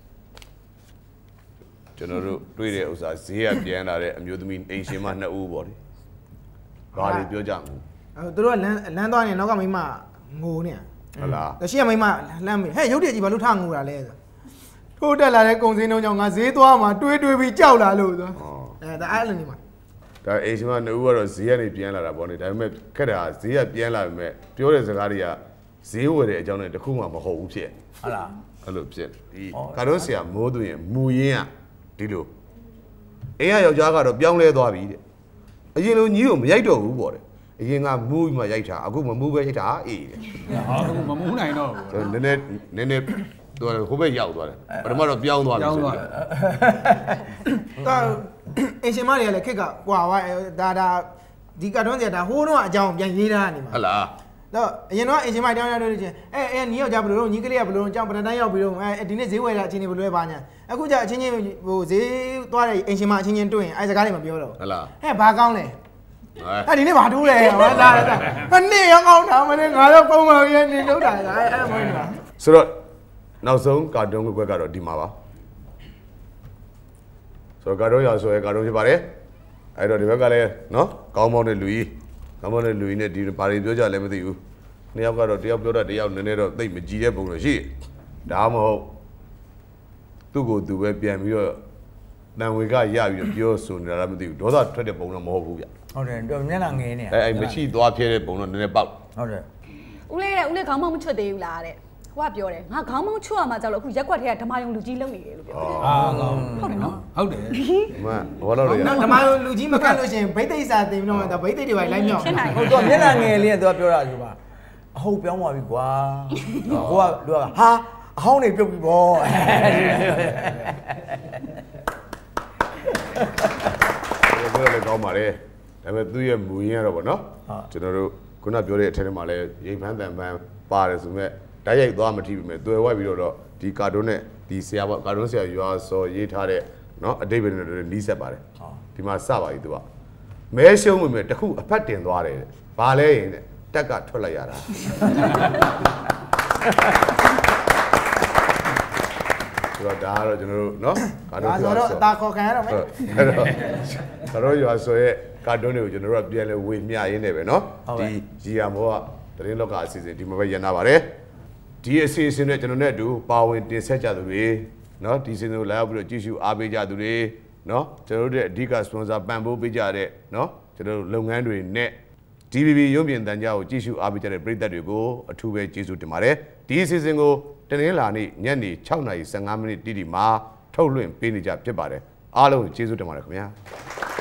S1: ကျွန်တော်တို့တွေ့တဲ့ဥစ္စာဈေးကပြန်လာတဲ့အမျိုးသမီးအိမ်ရှင်မ2ဦးပေါ့လေဘာတွေပြောကြမလဲ
S5: သူတို့ကလမ်းသွားနေနောက်ကမိမငိုနေ
S1: ဟုတ်လား
S5: တရှိရမိမလှမ်းမေးဟဲ့ရုပ်တရက်ကြီးဘာလို့ထငူတာလဲဆိုထိုးတက်လာတဲ့ကုံစင်းလုံးကြောင့်ငါဈေးသွားမှာတွေးပြီးကြောက်လာလို့ဆိုဒါအဲ့လိုနေမှာ
S1: ဒါအိမ်ရှင်မ2ဦးကတော့ဈေးကနေပြန်လာတာပေါ့နေဒါပေမဲ့ခက်တာဈေးကပြန်လာပေမဲ့ပြောတဲ့စကားတွေကဈေးဝယ်တဲ့အကြောင်းနဲ့တခုမှမဟုတ်ဘူးဖြစ်
S2: ဟုတ်လား
S1: အဲ့လိုဖြစ်ဒီကာတော့ဆရာမိုးသွင်းမူရင်းကဒီလိုအိမ်ကယောက်ျားကတော့ပြောင်းလဲသွားပြီတဲ့အရင်လိုကြီးကိုမရိုက်တော့ဘူးပေါ့တဲ့အရင်ကမူးမှရိုက်တာအခုမမူးပဲရိုက်တာအေးတဲ့
S3: ဟာအခုမမူးနိုင်တော့
S1: ဘူးနည်းနည်းသူကဟိုဘက်ရောက်သွားတယ်ပထမတော့ပြောင်းသွားပြီဆိုတော့
S5: ဒါအင်ရှင်မတွေကလည်းခက်ကကွာဝါဒါဒီကတ်တွန်းစရာဒါဟိုးတော့အကြောင်းပြန်ရေးထားနေမှာ
S1: ဟုတ်လား
S5: တော့အရင်တော့အင်ရှင်မတောင်းရလို့ချင်းညီယောက်ျားဘယ်လိုလုပ်ညီကလေးကဘယ်လိုလုပ်ကြောင်းပထမတန်းရောက်ပြီးတော့ဒီနေ့ဈေးဝယ်တာအချင်းချင်းဘယ်လိုလဲပါညာအခုကျအချင်းချင်းဟိုဈေးသွားတဲ့အင်ရှင်မအချင်းချင်းတွေ့ရင်အဲစကားတွေမပြောတော့
S1: ဟုတ်လား
S5: ဘာကောင်းလဲဒီနေ့ဘာတိုးလဲဟာလာနေ့ရောကောင်းတာမင်းငါတော့ပုံမှန်ရနေလို့တာအဲ့မင်းလား
S1: ဆိုတော့နောက်ဆုံးကာတွန်းကွက်ကတော့ဒီမှာပါဆိုတော့ကာတွန်းရာဆိုရဲကာတွန်းဖြစ်ပါတယ်အဲ့တော့ဒီဘက်ကလည်းနော်ကောင်းမောင်းတဲ့လူကြီးကောင်းမောင်းတဲ့လူကြီးနဲ့ဒီဘာတွေပြောကြလဲမသိဘူးနှစ်ယောက်ကတော့တယောက်ပြောတာတယောက်နည်းနည်းတော့သိမကြည့်တဲ့ပုံလို့ရှိဒါမှမဟုတ်သူ့ကိုယ်သူပဲပြန်ပြီးတော့တန်ဝေကရပြီးတော့ပြောဆိုနေတာလည်းမသိဘူးဒေါသထွက်တဲ့ပုံတော့မဟုတ်ဘူးဗျ
S2: ဟုတ်တယ်တော့မျက်နှာငယ်နေ
S1: အဲ့မရှိသွားပြဲတဲ့ပုံတော့နည်းနည်းပေါက်
S2: ဟုတ်တယ်
S4: ဦးလေးခေါင်းမောင်းမချွတ်သေးဘူးလားတဲ့ဟိုကပြောတယ်ငါခေါင်းမောင်းချွတ်ရမှာကြောက်လို့အခုရက်ွက်ထဲကဓမ္မယုံလူကြီးလုံနေတယ်လို့ပြောတယ်
S3: ဟုတ်တယ်နော်ဟုတ်တယ်
S1: မဘောလို့ရ
S5: ဓမ္မယုံလူကြီးမကတ်လို့ရှိရင်ဗိသိက်စာတင်ပြီးတော့ဗိသိက်တွေပဲလိုက်မြောက်
S2: ဟုတ်တော့မျက်နှာငယ်လေးကသူကပြောတာဒီမှာအဟုတ်ပြောင်းသွားပြီကွာကိုကလူကဟာအဟောင်းနေပြုတ်ပြီဗော
S1: ပြောလည်းကောင်းပါလေဒါပေမဲ့သူ့ရဲ့မူရင်းကတော့ဗောနော်ကျွန်တော်တို့ခုနပြောတဲ့အထက်ထဲမှာလည်းရိပ်ဖန်းတန်ဖန်းပါတယ်ဆိုမဲ့ဓာတ်ရိုက်သွားမထိပြီမဲ့တွေ့ဝိုက်ပြီးတော့ဒီကာတွန်းနဲ့ဒီဆရာပေါ့ကာတွန်းဆရာရွာစော်ရေးထားတဲ့နော်အတိတ်ပဲနဲ့နီးစပ်ပါတယ်ဒီမှာစပါပြီသူကမဲရှုံးဝင်မဲ့တခုအဖက်တင်သွားတယ်ဘာလဲရင်တဲ့တက်ကထွက်လိုက်ရတာဆိုတော့ဒါကတော့ကျွန်တော်တို့နော်
S5: ကာတွန်းဆိုတော့အသာခေါ်ခံရတော့မယ်
S1: အဲ့တော့ကာတွန်းရွာစော်ရဲ့ကာတွန်းတွေကိုကျွန်တော်တို့ကပြန်လဲဝေမျှရင်းနေပဲနော်ဒီဂျီယာမောကတရင်လောကအစီအစဉ်ဒီမှာပဲရန်နာပါတယ်ဒီအစီအစဉ်နဲ့ကျွန်တော်နဲ့အတူပါဝင်တင်ဆက်ကြသူတွေเนาะဒီအစီအစဉ်ကိုလာရောက်ပြီးတော့ကြည့်ရှုအားပေးကြသူတွေเนาะကျွန်တော်တို့ရဲ့အဓိကစပွန်ဆာပံ့ပိုးပေးကြတဲ့เนาะကျွန်တော်တို့လုပ်ငန်းတွေနဲ့ DBB ရုပ်မြင်သံကြားကိုကြည့်ရှုအားပေးကြတဲ့ပရိသတ်တွေကိုအထူးပဲကျေးဇူးတင်ပါတယ်ဒီအစီအစဉ်ကိုတနင်္လာနေ့ညနေ 6:15 မိနစ်တိတိမှာထုတ်လွှင့်ပေးနေကြဖြစ်ပါတယ်အားလုံးကျေးဇူးတင်ပါတယ်ခင်ဗျာ